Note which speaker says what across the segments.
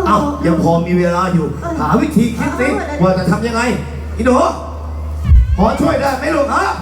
Speaker 1: อ้ายังพอมีเวลาอยู่หาวิธีคิดสิว่าจะทำยังไงอีหนูพอช่วยได้ไหมลูกฮะ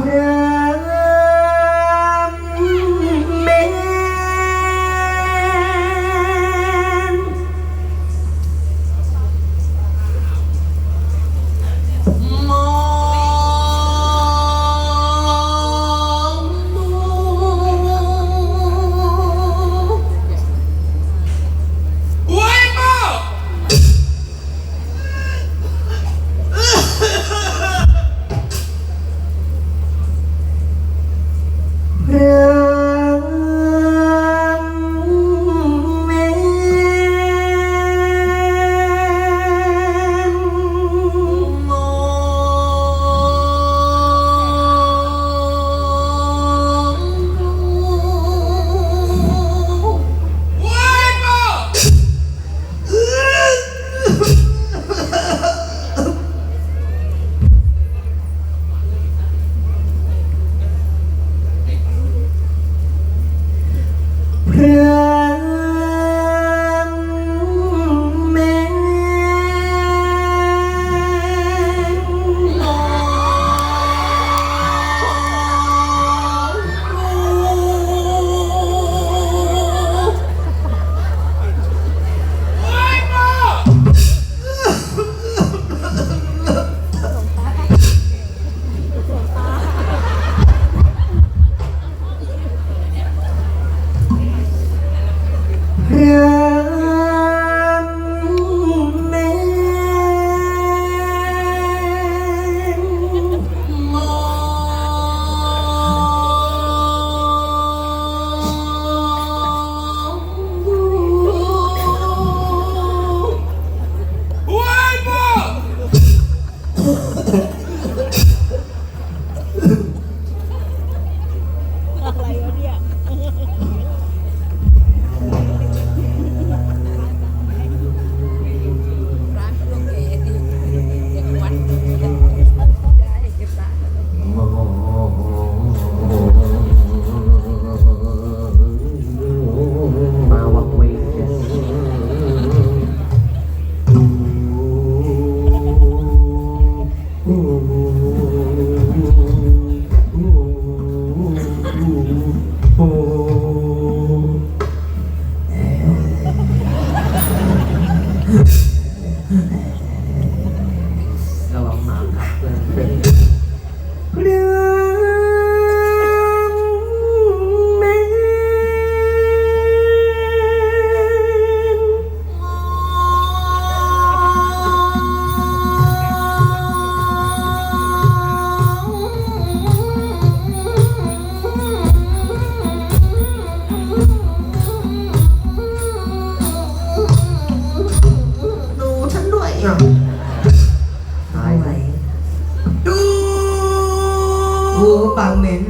Speaker 2: ปากเหม็น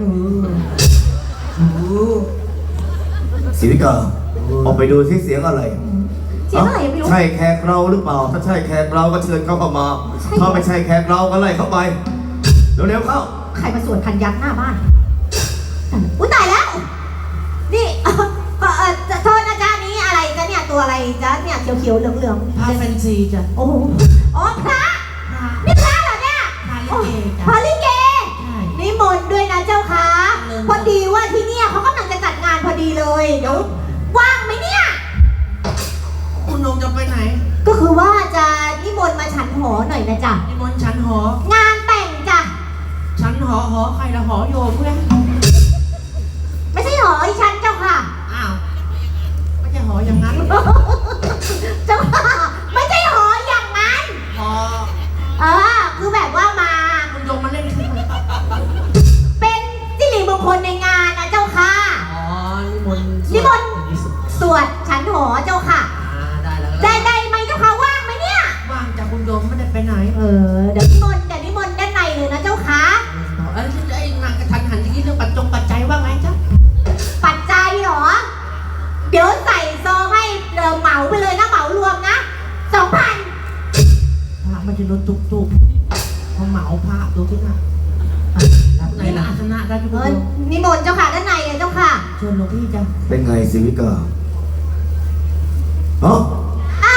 Speaker 1: ศิวิกาออกไปดูซิเสียงอะไร
Speaker 3: เสียงอะไรไม่รู้
Speaker 1: ใช่แขกเราหรือเปล่าถ้าใช่แขกเราก็เชิญเข้ามาถ้าไม่ใช่แขกเราก็ไล่เข้าไปเร็วๆเข้า
Speaker 3: ใครมาสวดพันยักษ์หน้าบ้านอุ้ยตายแล้วนี่จะโทษนะจ๊ะนี้อะไรจ๊ะเนี่ยตัวอะไรจ๊ะเนี่ยเขียวๆเหลืองๆ
Speaker 2: พาแฟนซีจ้ะ
Speaker 3: โอ้โหอ๋อพระนี่พระเหรอเนี่ยพระลิเกนิมนต์ด้วยนะเจ้าค่ะพอดีว่าที่เนี่ยเขากำลังจะจัดงานพอดีเลยเดี๋ยวว่างไหมเนี่ย
Speaker 2: คุณนงจะไปไหน
Speaker 3: ก็คือว่าจะนิมนต์มาฉันหอหน่อยนะจ๊ะ
Speaker 2: นิมนต์ฉันหอง
Speaker 3: านแต่งจ้ะ
Speaker 2: ฉันหอใครละหอโยมเพื่อน
Speaker 3: ไม่ใช่หออีฉันเจ้าค่ะ
Speaker 2: อ้าวไม่ใช่หออย่างนั้น
Speaker 3: เจ้าค่ะไม่ใช่หออย่างนั้น
Speaker 2: หอ
Speaker 3: คือแบบว่ามา
Speaker 2: คุณโยมมาเล่น
Speaker 3: เป็นสิริมงคลในงานนะเจ้าค่ะนิมนต์สวดฉันหอเจ้าค่ะได้ไหมเจ้าค่ะว่างไหมเนี่ย
Speaker 2: ว่างจากคุณโยมไม่ได้ไปไหน
Speaker 3: เดี๋ยวนิมนต์ด้านในเลยนะเจ้าค่ะ
Speaker 2: ไอ้นางกระทันหันที่เรื่องปัจจัยว่าไงจ๊ะ
Speaker 3: ปัจจัยเหรอเดี๋ยวใส่ซองให้เหมาไปเลยนะเหมารวมนะ2,000
Speaker 2: พระมันจะลดตุกพอเหมาพระดูที่ไหนในอาสนะได้ทุกคน
Speaker 3: นิมนต์เจ้าค่ะด้านในเลยเจ้าค่ะ
Speaker 2: เชิญหลวงพี่จ้ะ
Speaker 1: เป็นไงศิวิกา
Speaker 3: อ่ะ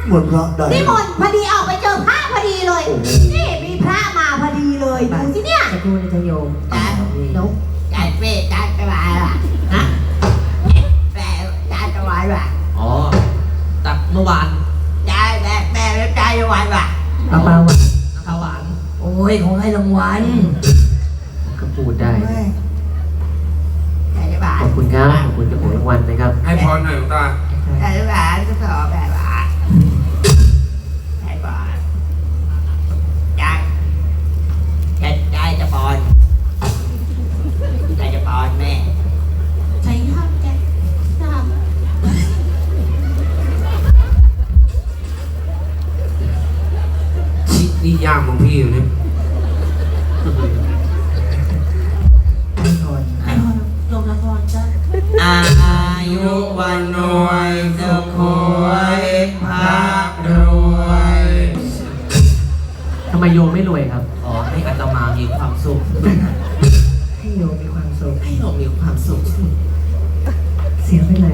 Speaker 1: หมดพระได้
Speaker 3: นี่มนต์พอดีออกไปเจอพระพอดีเลย นี่มีพระมาพอดีเลยดูสิเนี่ย
Speaker 2: จะพูดจะโยม
Speaker 3: เดี๋ยว
Speaker 4: จัดเป้จัดสบายว่ะฮะแม่จัดสบายว่ะ
Speaker 2: อ๋อตักเมื่อวาน
Speaker 4: จัดแม่แล้วจัดสบายว่ะ
Speaker 2: ปลาหวานปลาหวาน
Speaker 4: โอ้ยของให้รางวัล
Speaker 2: ก็พูดได้
Speaker 4: จัดสบาย
Speaker 2: ขอบคุณครับขอบคุณเจ้าของรางวัลนะครับ
Speaker 5: ให้พรหน่อยหลวงตา
Speaker 4: จัดสบายก็สอบแบบว่าจัดบอลจัดจะบอลจัดจะบอลแม่
Speaker 3: ใช้ห้ามแกท
Speaker 5: ชินี่ย่ามของพี่อยู่นี่
Speaker 2: ให้พร
Speaker 3: ำให้พรลงละครจ้า
Speaker 4: อายุวันรวยสุขวยพระรวย
Speaker 2: ทำไมโยมไม่รวยครับ
Speaker 4: ขอให้อาตมามีความสุข
Speaker 2: ให้โยมมีความสุข
Speaker 4: ให้เรามีความสุข
Speaker 2: เสียไปเลย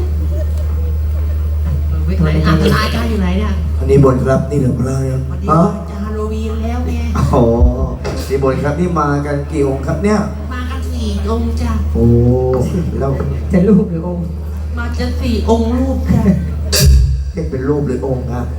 Speaker 4: ไหนอาจารย์อยู่ไหนเนี่ย
Speaker 1: อันนี้บนครับนี่เหลือพระยัง
Speaker 4: วันนี้
Speaker 1: อ๋อ
Speaker 4: จะฮาโลวีนแล้วไง
Speaker 1: โอ้นี่บนครับนี่มากันกี่องค์ครับเนี่ย
Speaker 4: มากัน4 องค์จ้ะ
Speaker 1: โอ้แล้ว
Speaker 2: จะรูปหรือองค์
Speaker 4: มาจะ4 องค์รูปจ้ะ
Speaker 1: เรียกเป็นรูปหรือองค์ครับ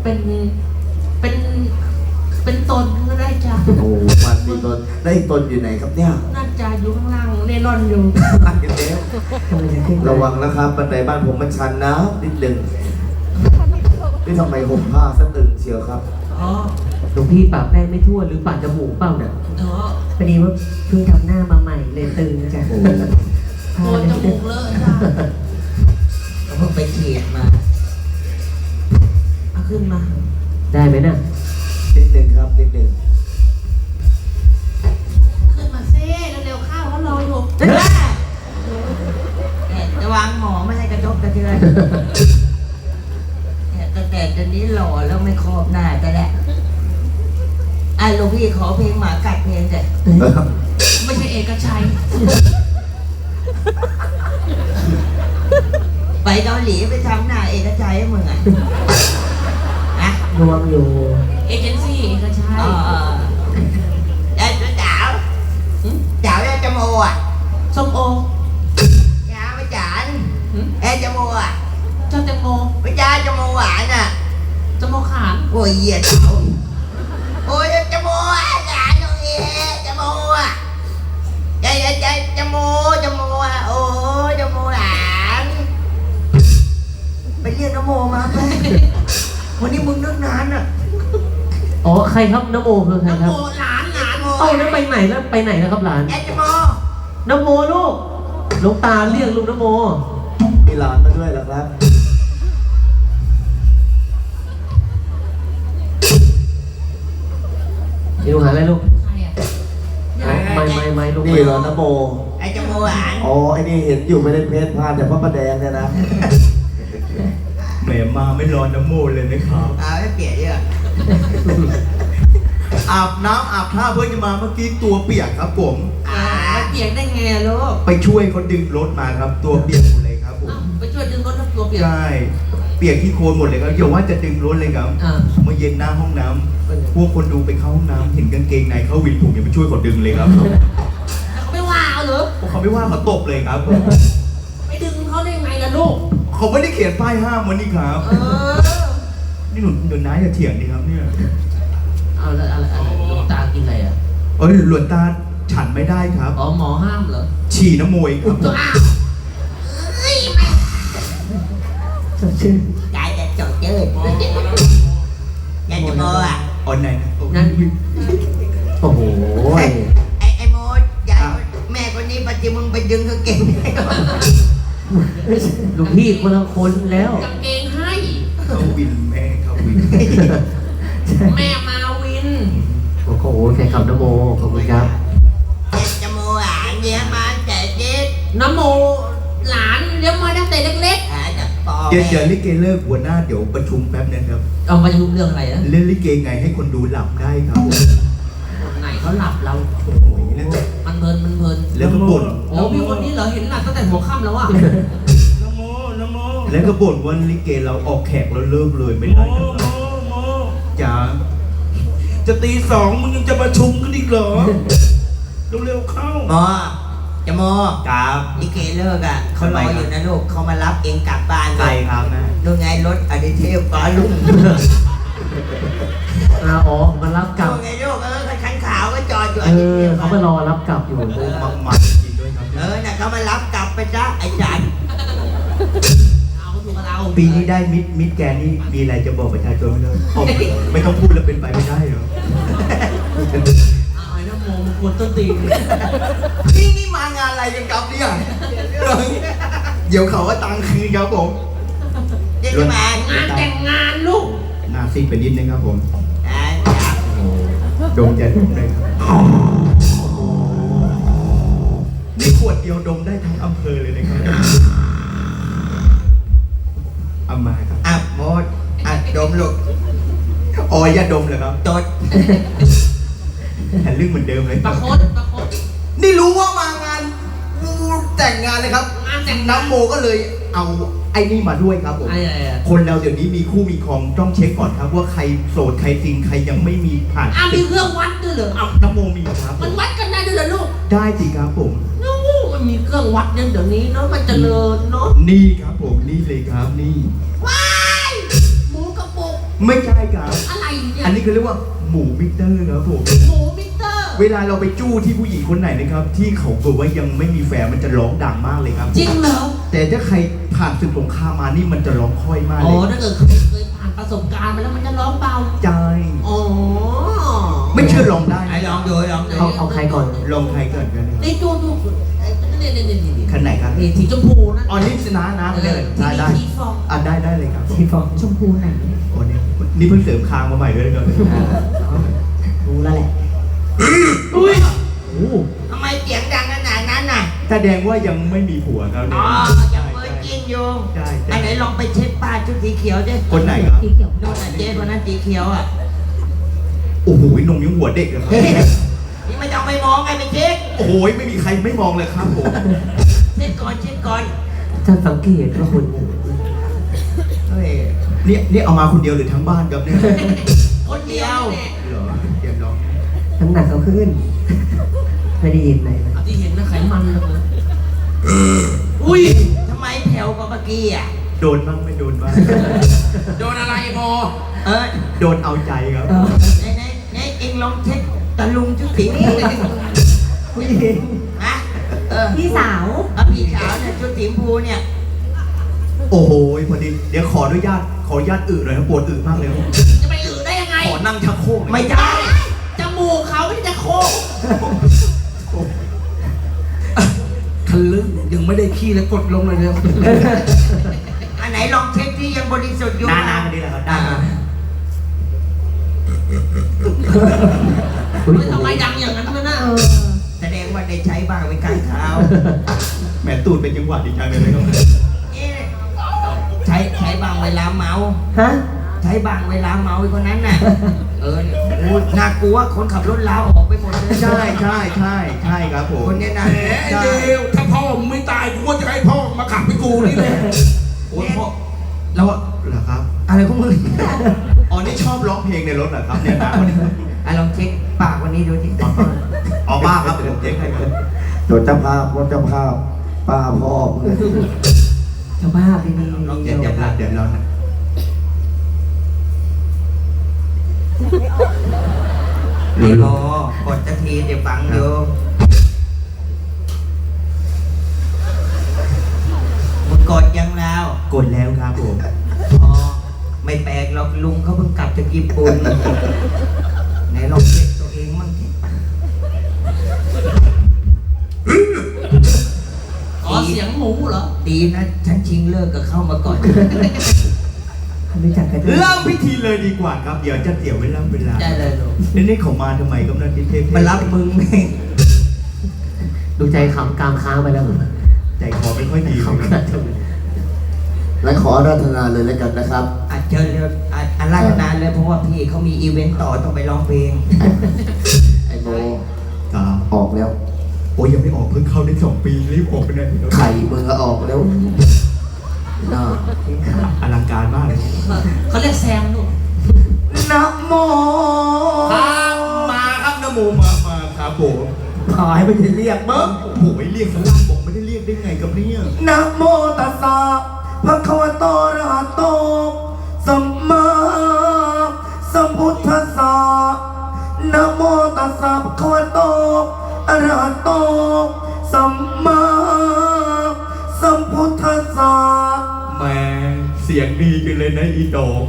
Speaker 4: เป็นตนก็ได้จ้ะ
Speaker 1: โอ้มาสี่ตนได้อีกตนอยู่ไหนครับเนี่ย
Speaker 4: น่าจะอยู่ข้างล่างเล่ร่อนอยู่
Speaker 1: ตัดกันแล้ว
Speaker 2: ทำไมจะขึ้น
Speaker 1: ระวังนะครับบันไดบ้านผมมันชันนะนิดหนึ่งนี่ทำไมห่มผ้าสะตึงเชียวครับ
Speaker 4: อ๋อ
Speaker 2: หลวงพี่ปากแป้งไม่ทั่วหรือปากจมูกเปล่าเนี่ย
Speaker 4: เนาะ
Speaker 2: พอดีว่าเพิ่งทำหน้ามาใหม่เลยตึงจ้ะ
Speaker 1: โอ้
Speaker 4: โกนจมูกเลอะจ้ะเราเพิ่งไปฉีดมาเอาขึ้นมา
Speaker 2: ได้ไหมน่ะ
Speaker 1: นิดหนึ่งครับนิดหนึ่ง
Speaker 4: ขึ้นมาเซ่เร็วๆเข้าเขารออยู่จะวางหมอไม่ให้กระจกกระเทือนแต่ตอนนี้หล่อแล้วไม่ครอบหน้าแต่แหละไอ้หลวงพี่ขอเพลงหมากัดเพลงแต่ไม่ใช่เอกชัย ไปเกาหลีไปทำหน้าเอกชัยให้มึงอ่ะนะ
Speaker 2: รวมอยู่
Speaker 4: เอเจนซี่เอกชัยได้ตัวจ๋าวจ๋าวได้จมูกอ่ะส้มโอยาไม่จานเอ้จมูกอ่ะเจ้าแตงโมไม่ใช่จมูกหวานอ่ะจมูกขานโอ้ยเหยียดเขาโอ้ยจมูกอ่ะหวานตรงนี้จมูกอ่ะใจจมูกอ่ะโอ้ยจมูกหวานไปเรียกนโมมาไหมวันนี้มึงนึกนานอ่ะ
Speaker 2: อ๋อใครครับนโมคือใครครับ
Speaker 4: หลานโม
Speaker 2: เอ้าแล้วไปไหนแล้วไปไหนแล้วครับหลาน
Speaker 4: ไอ้จโม
Speaker 2: นโมลูกหลวงตาเรียกลูกนโม
Speaker 1: มีหลานมาด้วยเหรอครับ
Speaker 2: นี่ลูกหาอะไรลูก
Speaker 4: ใครอ่ะ
Speaker 2: ไม่ลูก
Speaker 1: นี่เหรอนะโม
Speaker 4: ไอ้จโมหวาน
Speaker 1: อ๋อไอ้นี่เห็นอยู่ไม่ได้เพชรพลาดแต่พระประแดงเนี่ยนะแหมมาไม่รอน้ำโมเลยนะครับ
Speaker 4: เอาให้เปลี่ยนเยอะ
Speaker 1: อาบน้ำอาบท่าเพื่อจะมาเมื่อกี้ตัวเปียกครับผม
Speaker 4: แล้วเปลี่ยนได้ไงลูก
Speaker 1: ไปช่วยเขาดึงรถมาครับตัวเปียกหมดเลยครับผม
Speaker 4: ไปช่วยดึงรถตัวเปลี่ยน
Speaker 1: ใช่เปียกที่โคลนหมดเลยครับอย่าว่าจะดึงรถเลยครับ
Speaker 4: อ่า
Speaker 1: เมื่อเย็นหน้าห้องน้ำพวกคนดูไปเข้าห้องน้ำเห็นกางเกงในเขาวินผมอย่าไปช่วยเขาดึงเลยครับ
Speaker 4: แล้วเขาไม่ว่าเอาเหรอ
Speaker 1: พวกเขาไม่ว่าเขาตบเลยครับ
Speaker 4: ไปดึงเขาได้ไงล่ะลูก
Speaker 1: เขาไม่ได้เขียนป้ายห้ามวันนี้ครับ นี่หนุนน้าอย่าเถียงดิครับเนี่ย
Speaker 4: เอาแล้วอะไรหลวงตากินอะไรอ่ะ
Speaker 1: เอ้ยหลวงตาฉันไม่ได้ครับ
Speaker 4: อ๋อหมอห้ามเหรอ
Speaker 1: ฉี่น้ำมวยครับ
Speaker 4: ตัวอ้าว
Speaker 2: สดชื่น
Speaker 4: กายจะจดจืดยายจโมอ่ะ
Speaker 1: ออนไหนนะ
Speaker 4: นั่น
Speaker 2: โอ้โห
Speaker 4: ไอ้โมยายแม่คนนี้ปัจจุบันไปดึงกางเกง
Speaker 2: หลวงพี่คนละคนแล้ว
Speaker 4: กางเกงให้
Speaker 1: เขาวินแม่เขาวิน
Speaker 4: แม่มาวิน
Speaker 2: โอ้โหแฟนคลับนโมขอบคุณครับ
Speaker 4: จโมหลานเลี้ยงมาแต่เด็กนโมหลานเลี้ยงมาตั้งแต่เล็กๆ
Speaker 1: เดี๋ยวลิเกเลิกหัวหน้าเดี๋ยวประชุมแป๊บนึงครับ
Speaker 4: เอามาดูเรื่องอะไรนะ
Speaker 1: เล่นลิเกไงให้คนดูหลับได้ครับ
Speaker 4: ไหนเขาหลับเรา
Speaker 1: โอ้โหแล้ว
Speaker 4: มันเพลิน
Speaker 1: แล้วก็บ่น
Speaker 4: โอ้พี่คนนี้เหรอเห็นหลับตั้งแต่หัวค่ำแล้วอ่ะ
Speaker 1: นะโมนะโมแล้วก็บ่นว่าลิเกเราออกแขกแล้วเลิกเลยไม่ได้นะครับจ๋า
Speaker 5: จะตีสองมึงยังจะมาชุมกันอีกเหรอ เร็วๆเข้า
Speaker 4: หมอจะโม
Speaker 1: ครับ
Speaker 4: ลิเกเลิกอ่ะเขารออยู่นะลูกเขามารับเองกลับบ้าน
Speaker 1: ใครครับนะ
Speaker 4: นู่นไงรถอดิเทพฟ้าลุง
Speaker 2: อ๋อมารับกลับ
Speaker 4: นู่นไงลูกคันขาวก็จอดอยู่อ
Speaker 2: เอ
Speaker 4: ดิเท
Speaker 2: อ
Speaker 4: พ
Speaker 2: เขามารอรับกลับอยู่
Speaker 1: โอ้มาจริงด้วยครับ
Speaker 4: น่ะเขามารับกลับไปจ้ะไอ้จัน
Speaker 2: เอาถูกกับเรา
Speaker 1: ปีนี้ได้มิดแกนนี่มีอะไรจะบอกประชาชนไหมครับไม่ต้องพูดแล้วเป็นไปไม่ได้เหรอ
Speaker 2: เอาไอ้น้ำโมมึงกวนต้นตีน
Speaker 1: นี่มางานอะไรกันครับเนี่ยเดี๋ยวเขาว่าตังคืนครับผม
Speaker 4: เดี๋ยวจะมาง
Speaker 2: านแต่งงานลูก
Speaker 1: หน้าซีดไปนิดนึงครับผม
Speaker 4: จ้ะ
Speaker 1: ดมจะดมได้ครับนี่ขวดเดียวดมได้ทั้งอำเภอเลยนะครับเอามาครับ
Speaker 4: อ่ะโมดอ่ะดมลูก
Speaker 1: อ๋ออย่าดมเลยครับ
Speaker 4: จด
Speaker 1: แผ่นลึกเหมือนเดิมเลย
Speaker 2: ประคดประคด
Speaker 1: นี่รู้ว่ามางานแต่งงานเลยครับ
Speaker 2: งานแต่ง
Speaker 1: น้ำโมก็เลยเอาไอ้นี่มาด้วยครับผม
Speaker 2: ไอ้
Speaker 1: คนเราเดี๋ยวนี้มีคู่มีครองต้องเช็คก่อนครับว่าใครโสดใครจริงใครยังไม่มีผ่าน
Speaker 2: มีเครื่องวัดด้วยเหรอ
Speaker 1: เอาน้ำโมมีครับผ
Speaker 2: มัน
Speaker 1: ม
Speaker 2: วัดกันได้ด้วยเหรอลูก
Speaker 1: ได้สิครับผม
Speaker 2: นู้มันมีเครื่องวัดเนี่ยเดี๋ยวนี้เนาะมันเจริญเนาะ
Speaker 1: นี่ครับผมนี่เลยครับนี่
Speaker 2: ว้ายหมูกระปุก
Speaker 1: ไม่ใช่ครับ
Speaker 2: อะไรเนี่ย
Speaker 1: อันนี้เขาเรียกว่าหมูมิเตอร์ครับผม
Speaker 2: หมูมิเตอร์
Speaker 1: เวลาเราไปจู้ที่ผู้หญิงคนไหนนะครับ ที่เขาบอกว่ายังไม่มีแฟนมันจะร้องดังมากเลยครับ
Speaker 2: จริงเหรอ
Speaker 1: แต่ถ้าใครผ่านศึกสงครามมานี่มันจะร้องค่อยมาก
Speaker 2: อ๋อ
Speaker 1: เลย
Speaker 2: ถ้าเกิดเคยผ่านประสบการณ์มาแล้วมันจะร้องเบา
Speaker 1: ใจ
Speaker 2: อ๋อ
Speaker 1: ไม่เชื่อลองได้
Speaker 4: ไอ้ลองดูลองดู
Speaker 2: เอาใครก่อน
Speaker 1: ลองใครก่อนกัน
Speaker 2: ในตัวดูนี่
Speaker 1: คันไหนครับ
Speaker 2: นี่สีชมพูนะ
Speaker 1: อ๋อนี่ชนะนะได้เลยได้
Speaker 2: สีฟอง
Speaker 1: อ่ะได้เลยครับ
Speaker 2: สีฟองชมพูไหน
Speaker 1: โอ้เนี่ยนี่เพิ่งเสริมคางมาใหม่ด้วยนะครับ
Speaker 2: รู้แล้วแหละอุ้ยโอ้
Speaker 4: ทำไมเสียงดังขนาดนั้นน่ะ
Speaker 1: แสดงว่ายังไม่มีผัวครับ
Speaker 4: อ๋
Speaker 1: เนี่ย
Speaker 4: อยังเปิดกินอยู่
Speaker 1: ใช่
Speaker 4: อันไหนลองไปเช็คป้าชุดสีเขียวดิ
Speaker 1: คนไหนครับ
Speaker 2: สีเขียว
Speaker 4: นู่นน่ะเจ๊คนนั้นสีเขียวอ่ะ
Speaker 1: โอ้โหนมยังหัวเด็กเลยครับ
Speaker 4: นี่ไม่ต้องไปมองไงไปเช็ค
Speaker 1: โอ้โหไม่มีใครไม่มองเลยครับผม
Speaker 4: เช็คก่อนเช็คก่อน
Speaker 2: ถ้าสังเกตว่าคน
Speaker 4: เฮ้ย
Speaker 1: เนี่ยเอามาคนเดียวหรือทั้งบ้านครับเนี่ย
Speaker 4: คนเดียว
Speaker 1: เหรอเดี๋ยวลอง
Speaker 2: น้ำหนักเขาขึ้นไม่ได้ยินไหนที่เห็นนะไขมันเลยอุ้ย
Speaker 4: ทำไมแผ่วกว่าเมื่อกี้อ่ะ
Speaker 1: โดนบ้างไม่โดนบ้าง
Speaker 5: โดนอะไรพอ
Speaker 1: โดนเอาใจครับ
Speaker 4: ไหนเองลองเช็คตะลุงชุดสีชมพู
Speaker 2: ผู้หญิง
Speaker 4: ฮะ
Speaker 3: พี่สาว
Speaker 4: พี่สาวเนี่ยชุดสีชมพูเนี่ย
Speaker 1: โอ้โหพอดีเดี๋ยวขออนุญาตอึหน่อยครับปวดอึมากเลยครับ
Speaker 2: จะไปอื่นได้ยังไง
Speaker 1: ขอนั่งชักโครกหน่อย
Speaker 4: ไม่ได้
Speaker 2: จมูกเขาไม่ได้จะโค้ง
Speaker 5: ทะลึ่งยังไม่ได้ขี้แล้วกดลงเลยเร็ว
Speaker 4: อันไหนลองเช็คที่ยังบริสุทธิ์อยู่
Speaker 1: หน้าคนนี้แหละครับหน้า
Speaker 2: ทำไมดังอย่างนั้นนะ
Speaker 4: แสดงว่าได้ใช้บ้างไว้กลางเท้า
Speaker 1: แหมตูดเป็นจังหวะดีจังเลยครับ
Speaker 4: เอ๊ะใช้บ้างเวลาเมา
Speaker 2: ฮะ
Speaker 4: ใช้บ้างเวลาเมาไอ้คนนั้นน่ะ เนี่ยโอ้น่ากลัวคนขับรถลาวออกไปหมดเลย
Speaker 1: ใช่ครับผม
Speaker 4: คนเนี้ยนะ
Speaker 5: แหมเดียวถ้าพ่อมึงไม่ตายกูก็จะให้พ่อมาขับให้กูนี่แหละ
Speaker 1: โอ้ยพ่อแล้วเหรอครับ
Speaker 4: อะไรของมึง
Speaker 1: อ๋อนี่ชอบร้องเพลงในรถเหรอครับเนี่ยนะวันนี้
Speaker 4: ลองเช็คปากวันนี้ดูสิ
Speaker 1: อ๋อบ้าครับเดี๋ยวผมเจ๊งให้ครับ
Speaker 6: โดนเจ้าภาพรถเจ้าภาพป้าพ่อมึง
Speaker 2: เจ้าบ้าดี
Speaker 1: ลองเจ๊งเดี๋ยวเรานะ
Speaker 4: ไอ้โมกดสักทีเดี๋ยวฟังอยู่มึงกดยังแล้ว
Speaker 1: กดแล้วครับผม
Speaker 4: อ๋อไม่แปลกหรอกลุงเขาเพิ่งกลับจากญี่ปุ่นไหนลองเช็คตัวเองมั่งสิ
Speaker 2: อ๋อเสียงหมูเหรอ
Speaker 4: ดีนะฉันชิงเลิกกับเข้ามาก่อน
Speaker 2: รู้จักกัน
Speaker 1: เริ่มพิธีเลยดีกว่าครับ เดี๋ยวจะเสียเวลา
Speaker 4: ได้เลยลูก
Speaker 1: นี่เขามาทำไมกำนันทิเทพ
Speaker 4: มารับมึงไง
Speaker 2: ดูใจขำกามค้างไปแล้วเหรอ
Speaker 1: ใจคอไม่ค่อยดีเลยครับ
Speaker 6: และขออาราธนาเลยแล้วกันนะครับ
Speaker 4: อาจเจอเลยอาราธนาเลยเพราะว่าพี่เขามีอีเวนต์ต่อต้องไปร้องเพลง
Speaker 6: ไอ้โม
Speaker 1: ครับ
Speaker 6: ออกแล้ว
Speaker 1: โอ้ยยังไม่ออกเพิ่งเข้าได้2 ปีรีบออกไปไหนครับ
Speaker 6: ไข่มึงก็ออกแล้วน่า
Speaker 5: อลังการมากเลย
Speaker 2: เขาเรียกแซมลูก
Speaker 1: นะโม
Speaker 5: ครับมาครับนโมมาครับผม
Speaker 1: หายไปจะเรียกมั้ง
Speaker 5: โอ้โหเรียกสลับบอกไม่ได้เรียกได้ไงกับเนี่ย
Speaker 1: นะโมตัสสะภะคะวะโตอะระหะโตสัมมาสัมพุทธัสสะนะโมตัสสะภะคะวะโตอะระหะโตสัมมาสัมพุทธัสสะ
Speaker 5: แหม่เสียงดีกันเลยนะอีดอก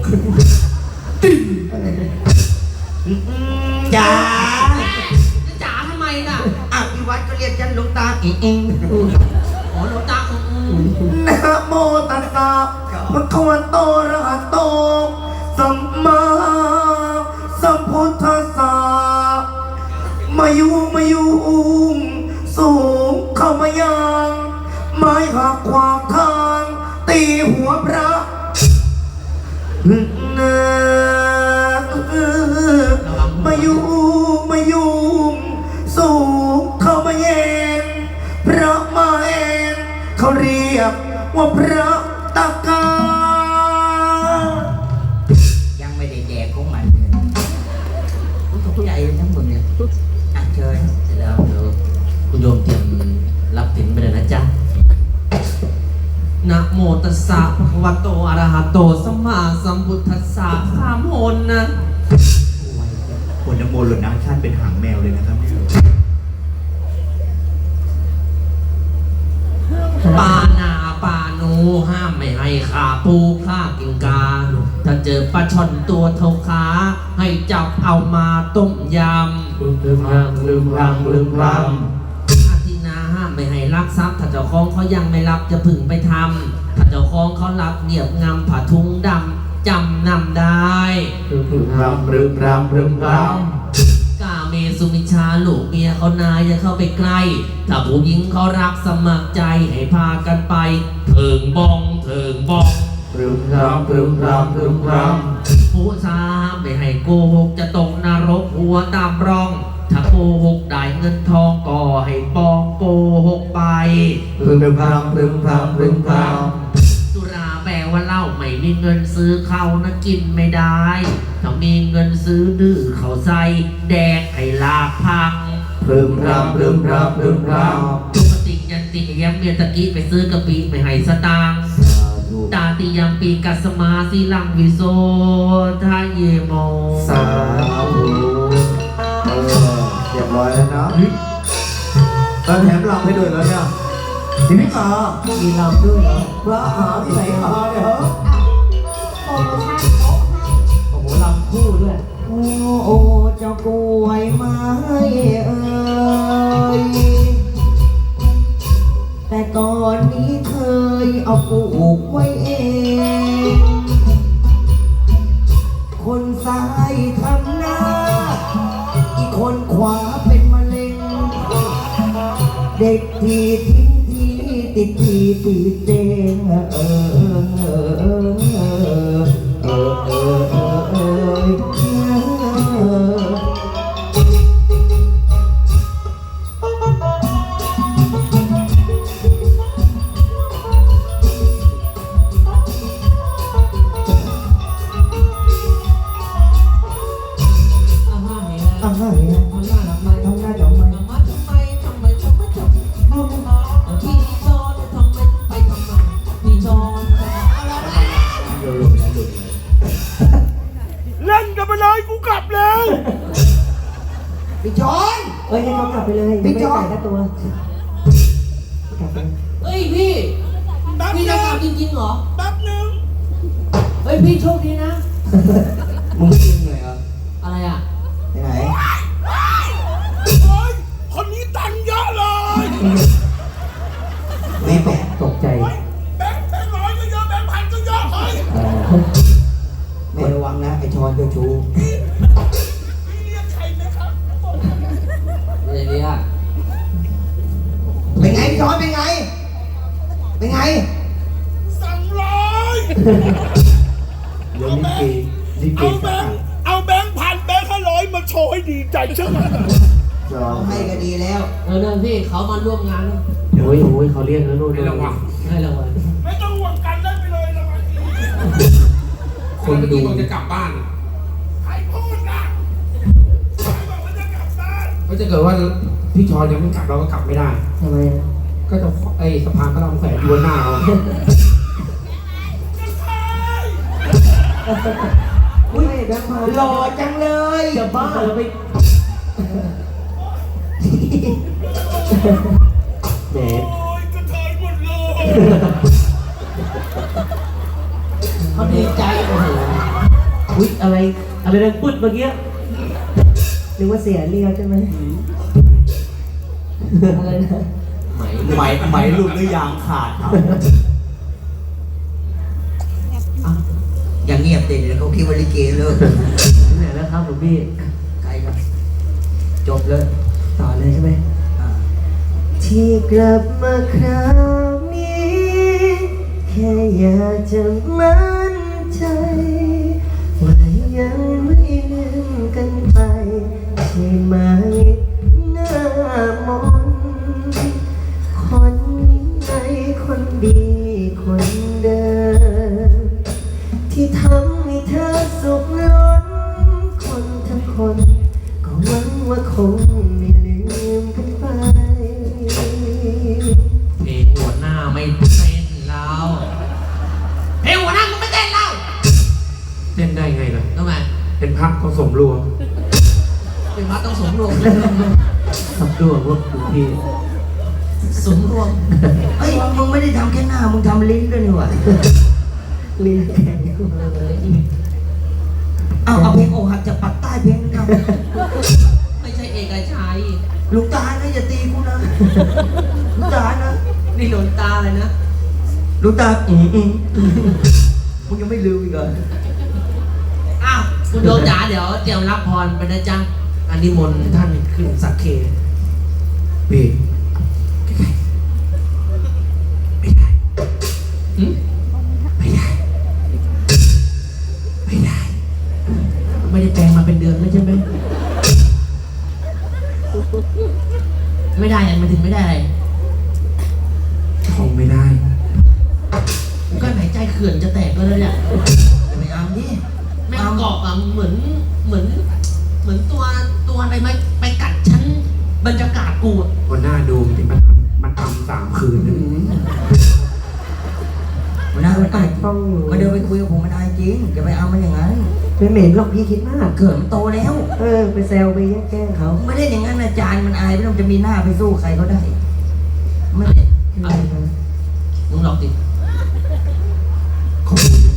Speaker 4: จ๋า
Speaker 2: จะจ๋าทำไมน่ะ
Speaker 4: อ้าวที่วัดก็เรียกฉันหลวงตาเอง
Speaker 2: อ๋อหลวงตา
Speaker 1: นะโมตัสสะภะคะวะโตอะระหะโตสัมมาสัมพุทธัสสะมายุงสูงเข้ามายังไม้หักขวางทางตีหัวพระมายุงสูงเข้ามาเย็นพระมาเองเขาเรียกว่าพระตะกา
Speaker 4: ยังไม่ได้แดกของมันเลยใหญ่ทั้งหมดเนี่ยอ่ะเชิญ
Speaker 2: เสร็จแล้วเดี๋ยวคุณโยมเตรียมรับสินไปเลยนะจ๊ะนะโมตัสสะภะคะวะโตอะระหะโตสัมมาสัมพุทธัสสะสามหนนะ
Speaker 5: คนนโมหล่นน้ำชาติเป็นหางแมวเลยนะครับเนี่ย
Speaker 2: ปานาปานูห้ามไม่ให้ขาปูฆ่ากินกา ถ้าเจอปลาช่อนตัวเท่าขาให้จับเอามาต้มยำลืมรำอาทินาห้ามไม่ให้ลักทรัพย์ถ้าเจ้าของเขายังไม่รับจะพึ่งไปทำถ้าเจ้าของเขารับเหนียบงำผ้าทุงดำจำนำได้กาเมสุมิชฌาลูกเมียเขานายอย่าเข้าไปใกล้ ถ้าผู้หญิงเขารักสมัครใจให้พากันไปเถิงบองผู้ชายไม่ให้โกหกจะตกนรกหัวตามร่อง ถ้าโกหกได้เงินทองก็ให้ปองโกหกไปสุราแปลว่าเหล้าไม่มีเงินซื้อเขานะกินไม่ได้ถ้ามีเงินซื้อดื้อเขาใส่แดกให้ลากพังตุกติยันติยังเมียตะกี้ไปซื้อกะปิไม่ให้สตางค์ตาติยังปีกัสมาสิลังวิโสทาเยโม
Speaker 6: สาธุเรียบร้อยแล้วนะ
Speaker 1: แล้วแถมลำให้ด้วยแล้วเนี่ยทีนี้มามีลำด้วยเหรอพระหาที่ไหนมาเนี่ยเหรอ
Speaker 3: โปรโมชั่นโต๊ะให้
Speaker 1: โอ้โหลำคู่ด้วย
Speaker 4: โอ้เจ้ากล้วยไม้เอ่ยแต่ก่อนนี้เคยเอาปลูกไว้เองคนซ้ายทำหน้าอีกคนขวาเป็นมะเร็งเด็กที่ทิ้งที่ติดที่ติดเตียง
Speaker 5: เล่นกันไปเลยกูกลับแล้ว
Speaker 4: พี่จอน
Speaker 7: เอ้ยให้เขากลับไปเลยไม่ได้จ่ายค่าตัวกลับไป
Speaker 2: เฮ้ยพี่พี่จะกลับจริงๆเหรอ
Speaker 5: แป๊บนึง
Speaker 2: เฮ้ยพี่โชคดีนะ
Speaker 4: มึงกินหน่อยเหรอ
Speaker 2: อะไรอ่ะ
Speaker 4: ไปไหน
Speaker 5: เฮ้ยคนนี้ตังค์เยอะเลย
Speaker 4: ไม่แปลก
Speaker 7: ตกใจ
Speaker 5: แบงค์ร้อยก็เยอะแบงค์พันก็เยอะเฮ้ย
Speaker 4: ไม่ระวังนะไอ้ชอนเจ้าชู้
Speaker 5: พี่เรียกใครไหมครับ
Speaker 2: อะไรเนี่ย
Speaker 4: เป็นไงพี่ชอนเป็นไง เป็นไง
Speaker 5: สั่งร้อย
Speaker 6: เดี๋ยวลิเก
Speaker 5: เอาแบงค์พันแบงค์500มาโชว์ให้ดีใจใช่ไหม
Speaker 6: จอ
Speaker 4: ให้ก็ดีแล้ว
Speaker 2: นั่นพี่เขามาร่วมงาน
Speaker 7: โอ้ยเขาเรียกแล้วนู่น
Speaker 5: ให้ระวัง
Speaker 2: ให้รางวัล
Speaker 5: ไม่ต้องห่วงกันแล้วไปคนดูบอกจะกลับบ้านใครพูดนะใครบอกว่าจะกลับบ้านก็จะเกิดว่าพี่ชอนยังไม่กลับเราก็กลับไม่ได้
Speaker 7: ทำไมอะ
Speaker 5: ก็จะไอ้สะพานก็ต้องแขวนอยู่บนหน้าเรา
Speaker 7: อุ้ยแบงค์พัน
Speaker 4: หล่อจังเลย
Speaker 7: จะบ้าเหรอไปแหม
Speaker 4: เขาดีใจโอ้โห
Speaker 7: อุ้ยอะไรดังปึ๊ดเมื่อกี้นึกว่าเสียเรียวใช่ไหมอะไรนะ
Speaker 1: ไหมหลุดหรือยางขาดครับ
Speaker 4: อย่างเงียบเด็ดเขาคิดว่าลิเกเลิก
Speaker 7: ที่ไหนแล้วครับหลวงพี่
Speaker 4: ใครครับจบเลย
Speaker 7: ต่อเลยใช่ไหม
Speaker 4: อ่า
Speaker 7: ที่กลับมาคราวนี้ แค่อยากจะมั่นใจว่ายังไม่ลืมกันไปใช่ไหมหน้ามนต์คนนี้ไงคนดีคนเดิมที่ทำให้เธอสุขล้นคนทั้งคนก็หวังว่าคงไม่ลืมกันไป
Speaker 2: เพลงหัวหน้าไม่เต้นแล้วเพลงหัวหน้ามึงไม่เต้นแล้ว
Speaker 5: เต้นได้ไงล่ะ
Speaker 2: ทำไม
Speaker 5: เป็นพักต้องสมรวม
Speaker 2: เป็นพระต้องสมรวม
Speaker 7: สับด้วยพวกหลวงพี่
Speaker 2: สมรวม
Speaker 4: เฮ้ยมึงไม่ได้ทำแค่หน้ามึงทำลิ้นด้วยนี่หว่า
Speaker 7: ลิ้นแข็ง
Speaker 4: เอาเพลงอกหักจากปากใต้เพลงนึงเอา
Speaker 2: ไม่ใช่เอกชัย
Speaker 4: ลุงตานะอย่าตีกูนะลุงตานะ
Speaker 2: นี่หลวงตาเลยนะ
Speaker 4: ลุงตามึงยังไม่ลืมอีกเหรอ
Speaker 2: อ้าวคุณโยมจ๋าเดี๋ยวเตรียมรับพรไปนะจ๊ะอันนี้มนต์ท่านขึ้นสักเค
Speaker 5: พี่
Speaker 2: หึ ไม่ได้แปลงมาเป็นเดือนแล้วใช่ไหม ไม่ได้ยังไม่ถึงไม่ได้อะไร
Speaker 5: ท่องไม่ได้
Speaker 2: ก็หายใจเขื่อนจะแตกแล้วเนี่ย
Speaker 4: อย่าไปเอาดิ
Speaker 2: แม่งเกาะอ่ะเหมือนตัวอะไรไหมไปกัดฉันบรรยากาศกูอะ
Speaker 5: วันหน้าดูมันทำ3 คืนนะ
Speaker 4: มันน่ามันอาย
Speaker 7: ต้องอยู่
Speaker 4: มาเดินไปคุยกับผมมันอายจริงอย่าไปเอามันอย่างนั้น
Speaker 7: ไม่เหม็นหรอกพี่คิดมาก
Speaker 4: เกิดมันโตแล้ว
Speaker 7: ไปแซวไปแกล้งเขา
Speaker 4: ไม่ได้อย่างนั้นอาจารย์มันอายไม่ต้องจะมีหน้าไปสู้ใครเขาได้ไม่ได้
Speaker 7: อะไรนะ
Speaker 2: มึงลองดิ
Speaker 5: ขอบคุณนะ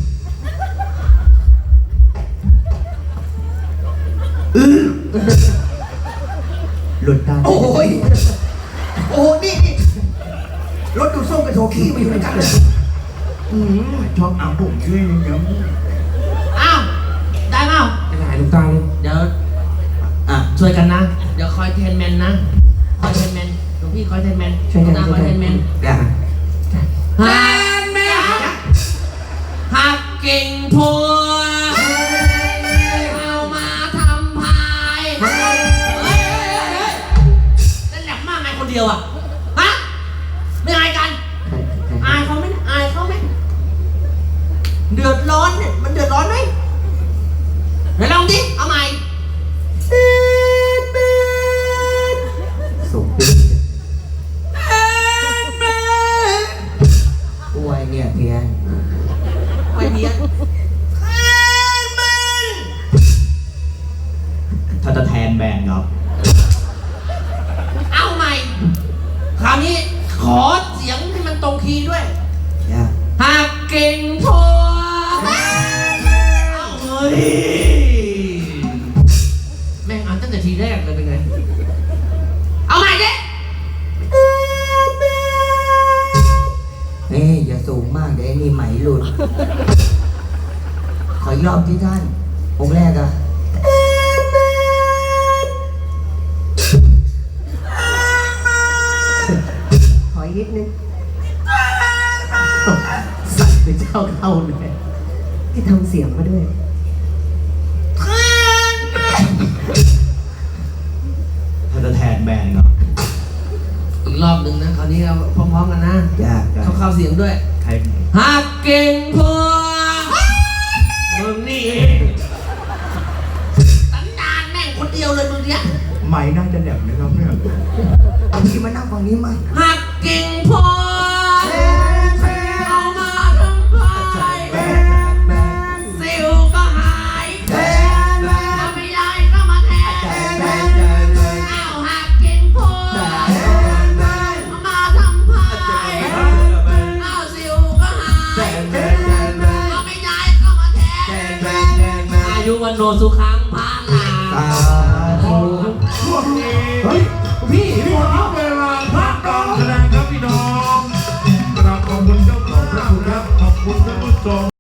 Speaker 7: หลุดตา
Speaker 4: โอ้ยโอ้นี่รถดูดส้มกับโถขี้มาอยู่ด้วยกันเลยชอบเอาผมช่วยเลยเดี๋ยว
Speaker 2: อ้าวได้เปล่า
Speaker 5: ไม่ได้ลุงตาเลย
Speaker 2: เดี๋ยวช่วยกันนะ เดี๋ยวคอยเทนแมนนะคอยเทนแมนหลวงพี่คอยเทนแมน
Speaker 7: ช่วยกัน
Speaker 2: หลวงตาคอยเทนแมน
Speaker 4: อย่า
Speaker 2: เทนแมนหักกิ่งพัวเอามาทำพายเฮ้ยนั่นแหลมมากไงคนเดียวอ่ะฮะไม่อายกัน อายเขาไหมอายเขาไหมเดือดร้อนเนี่ยมันเดือดร้อนไหมเดี๋ยวลองดิเอาใหม่
Speaker 7: ส่งปิ๊ก
Speaker 4: อวยเนี่ยเพียน
Speaker 2: ไปเนียน
Speaker 1: ถ้าจะแทนแบนครับ
Speaker 2: เอาใหม่ คราวนี้ขอเสียงให้มันตรงคีย์ด้วย
Speaker 4: อย่า
Speaker 2: หากเก่งพอเอาเฮ้ยแม่งอ่านตั้งแต่ทีแรกเลยเป็นไง เอาใหม่ดิ
Speaker 4: เฮ้ยอย่าสูงมากเดี๋ยวไอ้นี่ไหมหลุดขออีกรอบที่ท่านองค์แรกอะ
Speaker 7: ขออีกนิดนึงสั่นไปเจ้าเข้าเลยที่ทำเสียงมาด้วย
Speaker 1: ถ้าจะแทนแบนครับ
Speaker 2: อีกรอบหนึ่งนะ คราวนี้เราพร้อมๆกันนะ
Speaker 4: อย่า
Speaker 2: เข้าเสียงด้วย
Speaker 1: ใคร
Speaker 2: หากเก่งพอมึงนี่
Speaker 1: ไหมน่าจะแหลมนะครับเนี่ยพี่มานั่งฝั่งนี้มา
Speaker 2: หักกิ่งโพเอามาทำพายสิวก็หายถ้าไม่ยายก็มาแทนเอาหักกิ่งโพเอามาทำพายเอาสิวก็หายถ้าไม่ยายก็มาแทนอายุวันโนสุขังพาลา
Speaker 5: เฮ้ยพี่หมดเวลาพักการแสดงครับพี่น้องกราบขอบคุณเจ้าของพระคุณครับขอบคุณท่านผู้ชม